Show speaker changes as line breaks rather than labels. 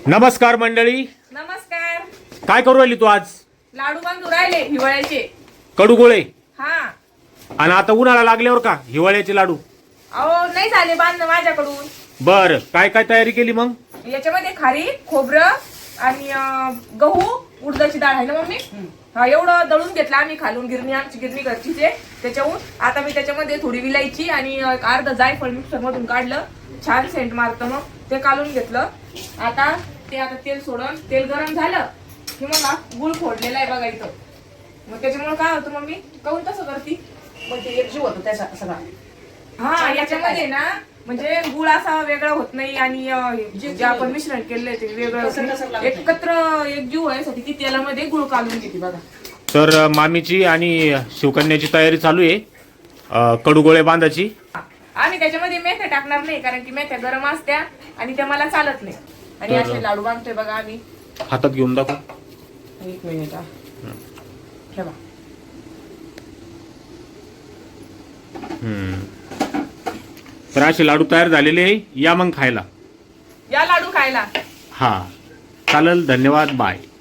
नमस्कार मंडळी.
नमस्कार.
काय करू राहिली तू आज?
लाडू बांधू राहिले हिवाळ्याचे.
कडूगोळे.
हा.
आणि आता उन्हाळा लागल्यावर का हिवाळ्याचे लाडू?
अहो नाही झाले बांधणं माझ्याकडून.
बर, काय काय तयारी केली मग?
याच्यामध्ये खारीक, खोबरं आणि गहू, उडदाची डाळ आहे ना मम्मी. हा, एवढं दळून घेतलं आम्ही खालून. आमची गिरणी घरचीच आहे त्याच्याहून. आता मी त्याच्यामध्ये थोडी विलायची आणि अर्ध जायफळ मिक्सर मधून काढलं. छान सेंट मारतं मग ते काढून घेतलं. आता तेल सोडून तेल गरम झालं की मग गुळ फोडलेला आहे बघा इथं. मग त्याच्यामुळे काय होतं मम्मी, काऊन तसं करती?
म्हणजे एकजीव होतो त्याचा सगळा.
हा, याच्यामध्ये ना म्हणजे गुळ असा वेगळा होत नाही आणि जे आपण मिश्रण केलंय ते वेगळं एकत्र एकजीव व्हायसाठी ती तेलामध्ये गुळ काढून घेते बघा.
तर मामीची आणि शिवकन्याची तयारी चालू आहे कडूगोळे बांधायची.
आम्ही त्याच्यामध्ये मेथ्या टाकणार नाही कारण की मेथ्या गरम असत्या आणि त्या मला चालत नाही. आणि असे लाडू बांधतोय बघा आम्ही.
हातात घेऊन दाखव.
एक मिनिट ठेवा.
तर असे लाडू तयार झालेले आहे, या मग खायला.
या लाडू खायला.
हा चालेल, धन्यवाद, बाय.